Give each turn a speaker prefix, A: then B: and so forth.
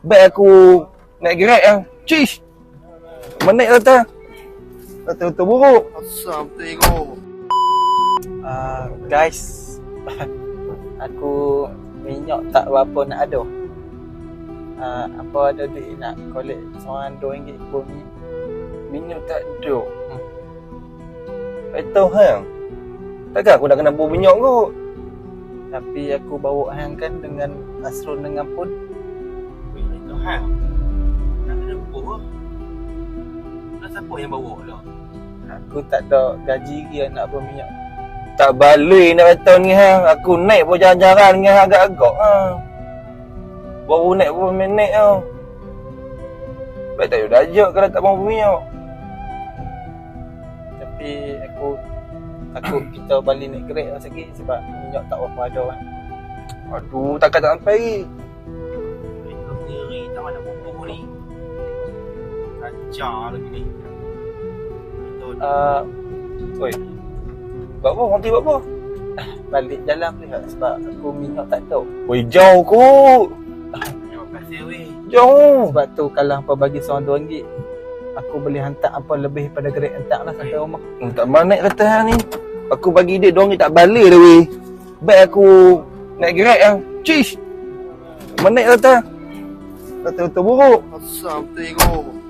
A: Baik aku naik Grab lah. Cish. Menaik kata. Kata buruk.
B: Asam tengok.
C: Guys, aku minyak tak berapa nak ada. Apa ada duit nak collect seorang RM2 pun minyak.
A: Minyak tak ada. Tak tahu hang. Takkan aku dah kena bau minyak kot.
C: Tapi aku bawa hang kan dengan Asrul dengan Pun.
B: Weh, itu hang. Nak kena bubuh. Dah siapa yang bawa lah?
C: Aku tak ada gaji dia nak berminyak.
A: Tak balik nak kata ni hang. Aku naik pun jalan-jalan dengan hang agak-agak ha. Baru naik pun minit tau. Baik tak ada ajak kalau tak mahu minyak.
C: Tapi aku takut kita balik naik Grab lah sikit sebab minyak tak berapa ada kan.
A: Aduh, takkan tak sampai.
B: Weh, kau sendiri tak mana bubuh ni. Kacau lagi ni. Betul.
A: Oi. Buat apa? Nanti buat apa?
C: Balik jalan pula sebab aku minyak tak ada.
A: Oi, jauh kot.
B: Terima kasih weh.
A: Jauh.
C: Sebab tu kalau hampa bagi seorang RM2, aku boleh hantar apa lebih pada Grab hantar lah sampai rumah.
A: Tak mana kata hang ni. Aku bagi dia RM2 tak balik dah weh. Baik aku naik Grab lah. Cish. Menaik kata. Kata buruk.
B: Asam tengok.